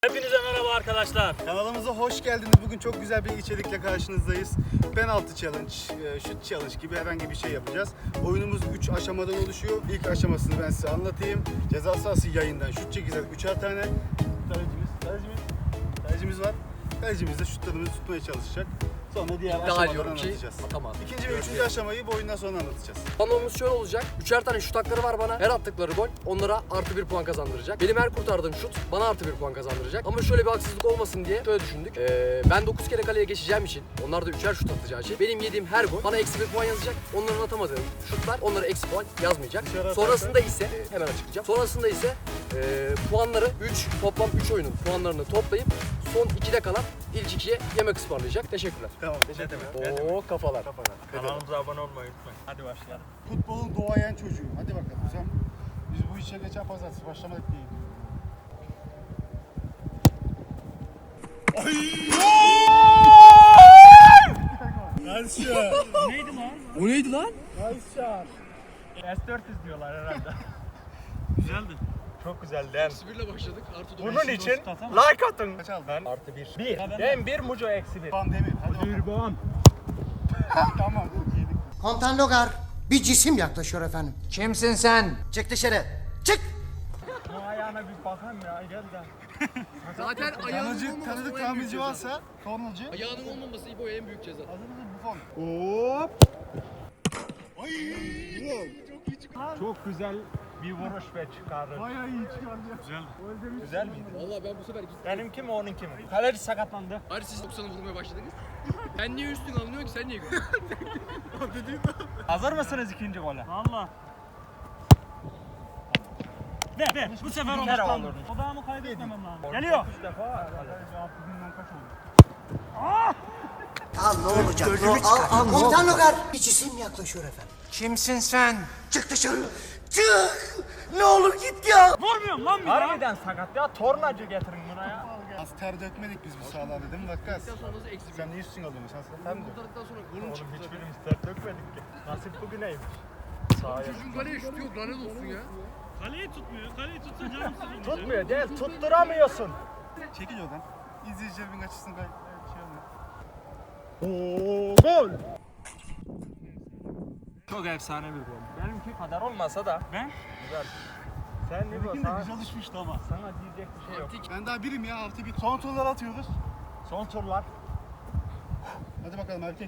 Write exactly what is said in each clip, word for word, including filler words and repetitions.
Hepinize merhaba arkadaşlar. Kanalımıza hoş geldiniz. Bugün çok güzel bir içerikle karşınızdayız. Penaltı challenge, şut challenge gibi herhangi bir şey yapacağız. Oyunumuz üç aşamadan oluşuyor. İlk aşamasını ben size anlatayım. Ceza sahası yayından şut çekeceğiz üçer tane. Kalecimiz, kalecimiz, kalecimiz var. Kalecimiz de şutlarımızı tutmaya çalışacak. Sonra diğer aşamaları anlatacağız. Tamam. İkinci ve üçüncü aşamayı bu oyundan sonra anlatacağız. Planımız şöyle olacak. Üçer tane şut hakları var bana. Her attıkları gol onlara artı bir puan kazandıracak. Benim her kurtardığım şut bana artı bir puan kazandıracak. Ama şöyle bir haksızlık olmasın diye şöyle düşündük. Ee, ben dokuz kere kaleye geçeceğim için, onlar da üçer şut atacağı için benim yediğim her gol bana eksi bir puan yazacak. Onların atamadığı şutlar onlara eksi puan yazmayacak. Sonrasında ise e, hemen açıklayacağım. Sonrasında ise e, puanları üç toplam üç oyunun puanlarını toplayıp son ikide kalan ilk ikiye yemek ısmarlayacak. Teşekkürler. Tamam, teşekkür ederim. Oo kafalar. Kafalar. Kanalımıza abone olmayı unutmayın. Hadi başlayalım. Futbolun doğayan çocuğu. Hadi bakalım sen. Biz bu işe geçen pazartesi başlamadık değil. Nice shot. Neydi lan? O neydi lan? Nice shot. S dört yüz diyorlar herhalde. Güzeldi. Çok güzeldi. eksi bir ile başladık. Artı dokuz. Bunun için like atın. Kaç aldın? Ben artı bir. Bir. Ben bir, Muco eksi bir. Van Demir. Hadi bakalım. Bon. Tamam. Yedik. Komutan Logar, bir cisim yaklaşıyor efendim. Kimsin sen? Çık dışarı. Çık! Bu ayağına bir bakayım ya. Gel de. Zaten ayağının Tanıcı, olmaması tanıdık o en büyük tamirci ceza. varsa kornacı. Ayağının olmaması İbo en büyük ceza. Hazır mısın Buffon? Hop. Çok güzel bir vuruş ve çıkarır. Bayağı iyi çıkardı. Güzel. Güzel miydi? Vallahi ben bu sefer gittim. Benimki mi onunki mi? Kaleci sakatlandı. Hadi siz doksana vurmaya başladınız. Ben niye üstün alınıyor ki sen niye gülüyorsun? Hazır mısınız ikinci gole? Valla. Ver ver. Bu sefer olmuşlandı. Odağımı kaybetmemem lazım. Geliyor. üç defa. Al ne olacak? Al, al, Komutan Logar, bir cisim yaklaşıyor efendim. Kimsin sen? Çık dışarı. Çık! Ne olur git ya. Vurmuyorum lan bir daha. Harbiden sakat ya. Tornacı getirin buraya. Az ter dökmedik biz bu sahalarda değil mi Vakkas? Sonra nasıl eksi bir? Sen niye üstün alıyorsun? Sen sen mi? Kurtardıktan sonra golün Oğlum çıktı zaten. hiçbirimiz ter dökmedik ki. Nasip bugüneymiş. Sahaya. Çocuğun kaleye şutu yok lanet olsun ya. Kaleyi tutmuyor. Kaleyi tutsa canım sıkılacak. Tutmuyor değil. Tutturamıyorsun. Çekil oradan. İzleyicilerimin açısını kay... Şey olmuyor. Oo, gol. Çok efsane bir gol. Benimki kadar olmasa da. Ben? Güzel. Sen ne Benimki de sana, güzel düşmüştü ama. sana diyecek bir şey yok. Ben daha birim ya artı bir. Son turlar atıyoruz. Son turlar. Hadi bakalım erkek.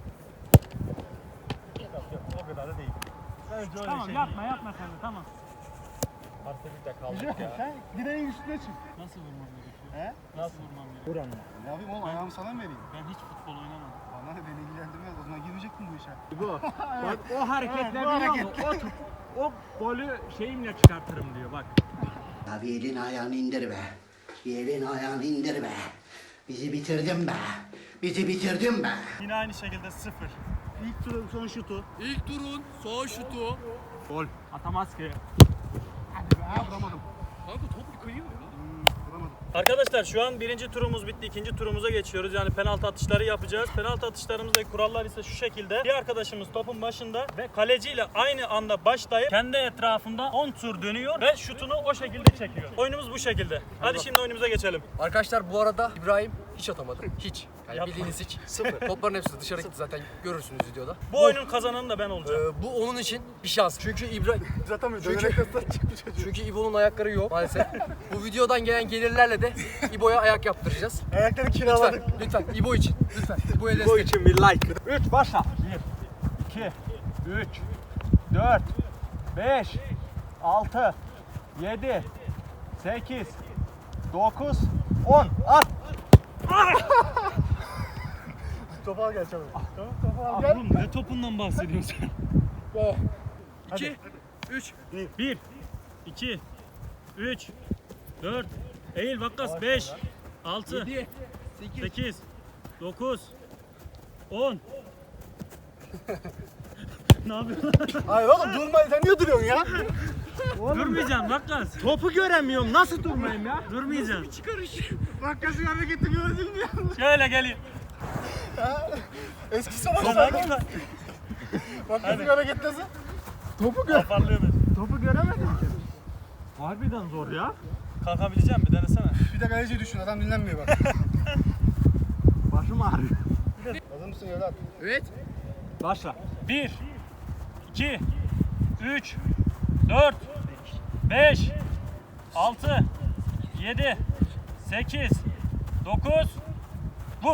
Yok yok o kadar da değil. Bence öyle Tamam şey yapma yapma sen de tamam. değil. Artı bir de kaldık ya. Sen direğin üstüne çık. Nasıl vurmam gerekiyor? He? Nasıl vurmam gerekiyor? Buranın. Ne yapayım oğlum ayağımı sana mı vereyim? Ben hiç futbol oynamadım. Bana ne beni ilgilendirmez. O zaman girmeyecektin bu işe. Bu. Bak o hareketler Evet, bu biliyor musun? O, tut- o golü şeyimle çıkartırım diyor bak. Ya bir elin ayağını indir be. Bir elin ayağını indir be. Bizi bitirdin be. Bizi bitirdin be. Yine aynı şekilde sıfır. İlk turun son şutu. İlk turun son şutu. Gol. Atamaz ki. Hadi be. Ha vuramadım. Kanka top bir kayıyor ya. Hmm, vuramadım. Arkadaşlar şu an birinci turumuz bitti. İkinci turumuza geçiyoruz. Yani penaltı atışları yapacağız. Penaltı atışlarımızdaki kurallar ise şu şekilde. Bir arkadaşımız topun başında ve kaleciyle aynı anda başlayıp kendi etrafında on tur dönüyor ve şutunu o şekilde çekiyor. Oyunumuz bu şekilde. Hadi şimdi oyunumuza geçelim. Arkadaşlar bu arada İbrahim hiç atamadı. Hiç. Yani Yapma. bildiğiniz hiç. Sıfır. Topların hepsi dışarı gitti zaten görürsünüz videoda. Bu oyunun kazananı da ben olacağım. Ee, bu onun için bir şans. Çünkü İbrahim Zaten Çünkü- dönerek kastan çıktı çocuk. çünkü İbo'nun ayakları yok maalesef. Bu videodan gelen gelirlerle de İbo'ya ayak yaptıracağız. Ayakları kiraladık. Lütfen, lütfen İbo için. Lütfen. İbo'ya Bu destek. için bir like. üç başla. bir, iki, üç, dört, beş, altı, yedi, sekiz, dokuz, on. At. Topu al gel çabuk. Tamam topu al gel. Oğlum ne topundan bahsediyorsun sen? iki, üç. bir, iki, üç, dört, eğil Vakkas beş, altı, yedi, sekiz. sekiz, dokuz, on. Ne yapıyorsun? Hayır oğlum durma sen niye duruyorsun ya? Durmayacağım Vakkas. Topu göremiyorum. Nasıl durmayayım ya? Durmayacağım. Vakkasın hareketi gördün mü ya? Şöyle geliyor. Eski savaş Hadi. var. Vakkasın hareketi nasıl? Topu gör. Toparlıyor beni. Topu göremedim ki. Harbiden zor ya. Kalkabilecek misin? Bir denesene. Bir de kaleci düşün, adam dinlenmiyor bak. Başım ağrıyor. Hazır mısın evlat? Evet. Başla. bir, iki, üç, dört, beş, altı, yedi, sekiz, dokuz, vur.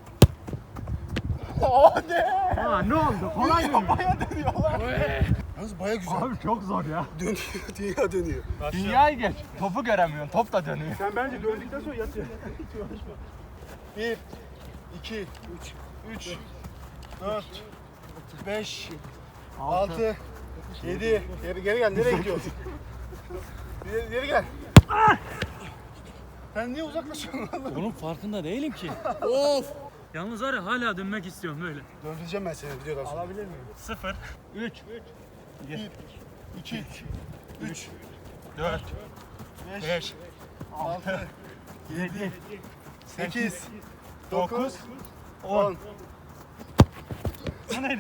Ha ne oldu? Kolay mı? Yalnız baya güzel. Abi çok zor ya. Dönüyor, dünya dönüyor. Dünyayı geç. Topu göremiyorsun. Top da dönüyor. Sen bence döndükten sonra yatıyor. Bir, iki, üç, üç, dört, beş, altı, yedi. Geri, geri gel, nereye gidiyorsun? Geri, geri gel. Sen niye uzaklaşıyorsun? Bunun farkında değilim ki. Of. Yalnız var ya hala dönmek istiyorum böyle. Döndüreceğim ben seni videodan sonra. Alabilir miyim? sıfır, üç, Bir, iki, üç, dört, beş, beş, altı, yedi, sekiz, dokuz, dokuz, on. Bu neydi?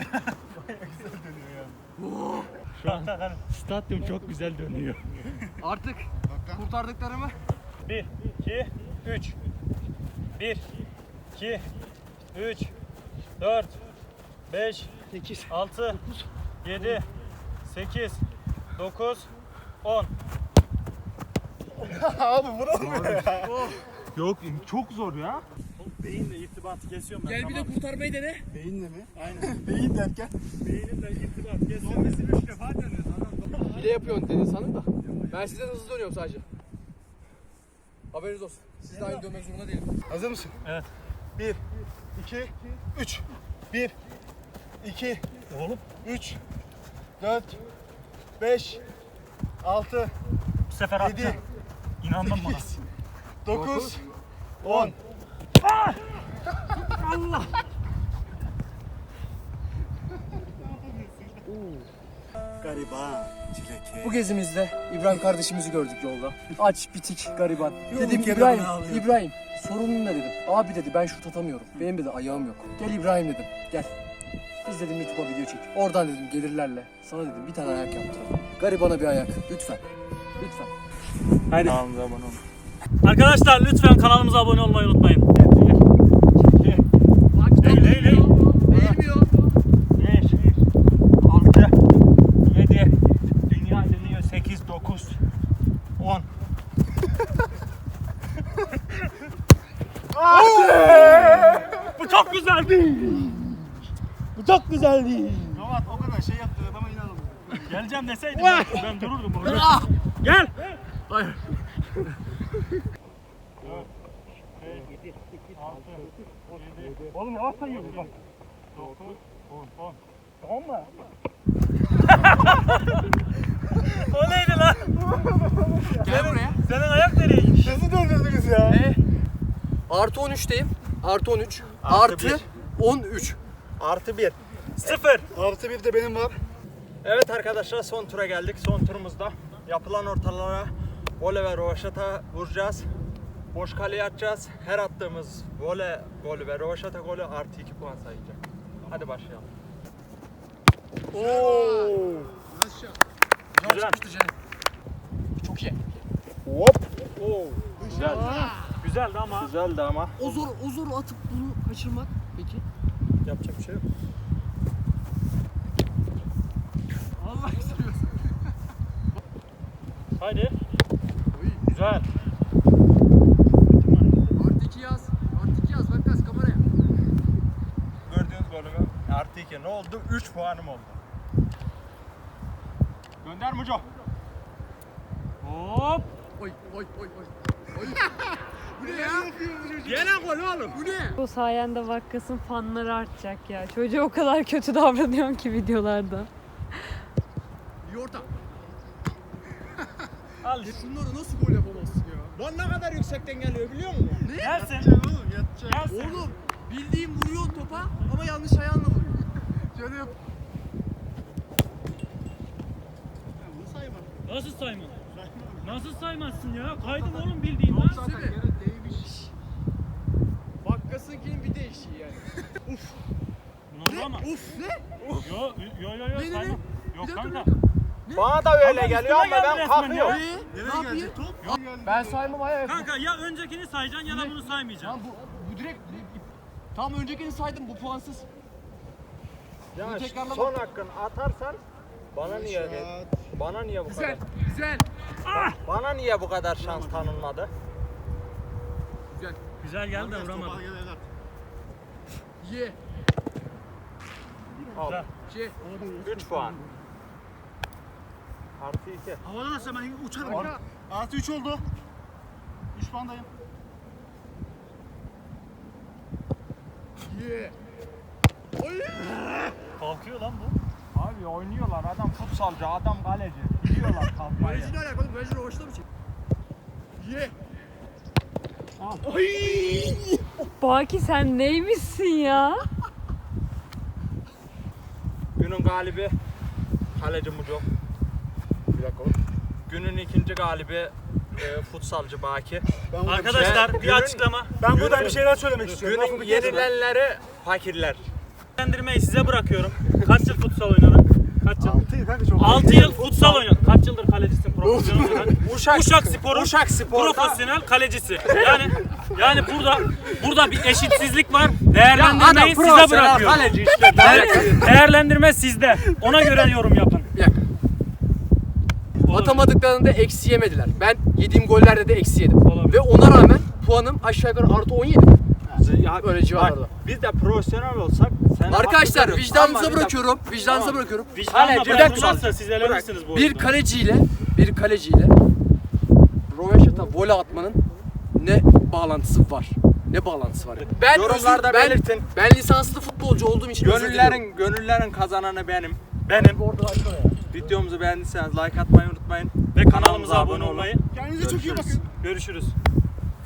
Şu an stadyum çok güzel dönüyor. Artık kurtardıklarımı bir, iki, üç. bir, iki, üç, dört, beş, altı, yedi, sekiz, dokuz, on. Abi vuralım ya. Yok çok zor ya. Beyinle irtibatı kesiyorum ben. gel bir de kurtarmayı dene. Beyinle mi? Aynen. Beyin derken. Beyninle irtibatı kesiyorum. Biz üç defa dönüyoruz. Hile yapıyorsun dedi sanırım da. Ben sizden hızlı dönüyorum sadece. Haberiniz olsun. Siz de aynı dönmek zorunda değilim. Hazır mısın? Evet. Bir, iki, üç. Bir, iki, Oğlum. üç, dört, beş, altı, Bu sefer attı. yedi, İnandım buna. sekiz, dokuz, on. Gariban, çileke. Bu gezimizde İbrahim kardeşimizi gördük yolda. Aç, bitik, gariban. Dedim kenarına İbrahim, ağlıyor. İbrahim sorunun ne dedim. Abi dedi ben şut atamıyorum. Benim dedi ayağım yok. Gel İbrahim dedim. Gel. Biz dedim YouTube'a video çek. Oradan dedim gelirlerle. Sana dedim bir tane ayak yaptıralım. Garibana bir ayak. Lütfen. Lütfen. Haydi. Kanalımıza abone olun. Arkadaşlar lütfen kanalımıza abone olmayı unutmayın. Bak, Eğil, eğil, eğil. Eğilmiyor. beş, altı, yedi, dünya dönüyor. sekiz, dokuz, on. Bu çok güzeldi. Bu çok güzeldi. Ravat o kadar şey yaptı adama inanamadım. Geleceğim deseydim ben, ben dururdum orada. Gel. Hayır. Oğlum yavaş sayıyoruz bak. dokuz, on, on. Tamam mı? O neydi lan? Gel buraya. Senin ayak nereye gitti? Nasıl döndürdünüz ya? Artı on üçteyim. Artı on üç. Artı Artı bir. on üç. Artı bir. Sıfır. Artı bir de benim var. Evet arkadaşlar son tura geldik. Son turumuzda yapılan ortalara voley ve rovaşata vuracağız. Boş kaleye atacağız. Her attığımız voley golü ve rovaşata golü artı iki puan sayacak. Hadi başlayalım. Oo. Güzel çıkmıştı canım. Çok iyi. Hop. Oo. Güzel. Güzeldi ama Güzeldi ama. O zor, o zor atıp bunu kaçırmak peki? yapacak bir şey yok. Allah seviyorsun. Haydi. Güzel. Artı iki yaz. Artı iki yaz. Bak biraz kameraya. Gördüğünüz golümü artı iki. Ne oldu? üç puanım oldu. Gönder Muco. Hop. Oy oy oy oy. Oy. Bu ne ya? Gene gol oğlum. Bu ne? Bu sayende Vakkas'ın fanları artacak ya. Çocuğa o kadar kötü davranıyorsun ki videolarda. Yorta. Al işte. Şunları nasıl gol yapamazsın ya? Lan ne kadar yüksekten geliyor biliyor musun? Gelsin. Oğlum yatacak. Gelsin. Oğlum bildiğim vuruyor topa ama yanlış ayağınla vuruyor. Şöyle yap. Nasıl saymaz? Nasıl saymazsın ya? Kaydım oğlum bildiğin lan. Zaten yere değmiş. Vakkasınkinin bir değişiği yani. Ne? Ama. Uf ne? Yo yo yo yo Ne, ne, ne? saymam. Bir Yok dakika, kanka. bir dakika. Bana da öyle Ama geliyor üstüme ama geldi ben resmen kalkıyorum. ya. Ne? Ne Nereye yapayım? gelecek top? Yok geldi. Ben saymam hayır. Kanka ya öncekini sayacaksın ya da bunu saymayacaksın. Tamam bu, bu direkt... Tam öncekini saydım bu puansız. Yani tekrarlama. son hakkın atarsan bana niye bana niye bu Güzel, kadar güzel. bana niye bu kadar şans tanınmadı? Güzel. Güzel geldi de vuramadım. Ye. Al. Şey. üç puan. Artı iki. Havadan atsam ben uçarım. Artı üç oldu. üç puandayım. Ye. Kalkıyor lan bu. Abi oynuyorlar, adam futsalcı, adam kaleci. Biliyorlar kalkmayı. Mecnun alakalı, Mecnun hoşuna mı çek? Ye. Baki sen neymişsin ya? Günün galibi kaleci Muco. Bir dakika oğlum. Günün ikinci galibi e, futsalcı Baki. Arkadaşlar Ben- bir günün- açıklama. Ben buradan bir şeyler söylemek istiyorum. Günün yenilenleri fakirler. Değerlendirmeyi size bırakıyorum. Kaç yıl futsal oynadın? Kaç yıl? altı kanka çok. altı yıl futsal oynadın. Kaç yıldır kalecisin profesyonel olarak? Uşak, Uşak Spor'un Uşak Spor'da profesyonel kalecisi. Yani yani burada burada bir eşitsizlik var. Değerlendirmeyi size bırakıyorum. kaleci işte. Değer- Değerlendirme sizde. Ona göre yorum yapın. Bir dakika. Atamadıklarında eksi yemediler. Ben yediğim gollerde de eksi yedim. Olabilir. Ve ona rağmen puanım aşağı yukarı artı on yedi. Ya, Böyle civarlarda. bak, biz de profesyonel olsak sen Arkadaşlar hakkı veriyorsun. vicdanınıza Ama bir de- bırakıyorum. Vicdanınıza Tamam. bırakıyorum. Vicdanla Kaleci, bırakırlarsa bırak. siz elenmişsiniz bu Bir oyunda. kaleciyle bir kaleciyle Roveşat'a voley atmanın ne bağlantısı var? Ne bağlantısı var? Ben Yorumlarda özür- ben, belirtin. ben lisanslı futbolcu olduğum için özür diliyorum. Gönüllerin, gönüllerin kazananı benim. Benim Videomuzu beğendiyseniz like atmayı unutmayın. ve kanalımıza abone olmayı. Kendinize çok iyi bakın. Görüşürüz.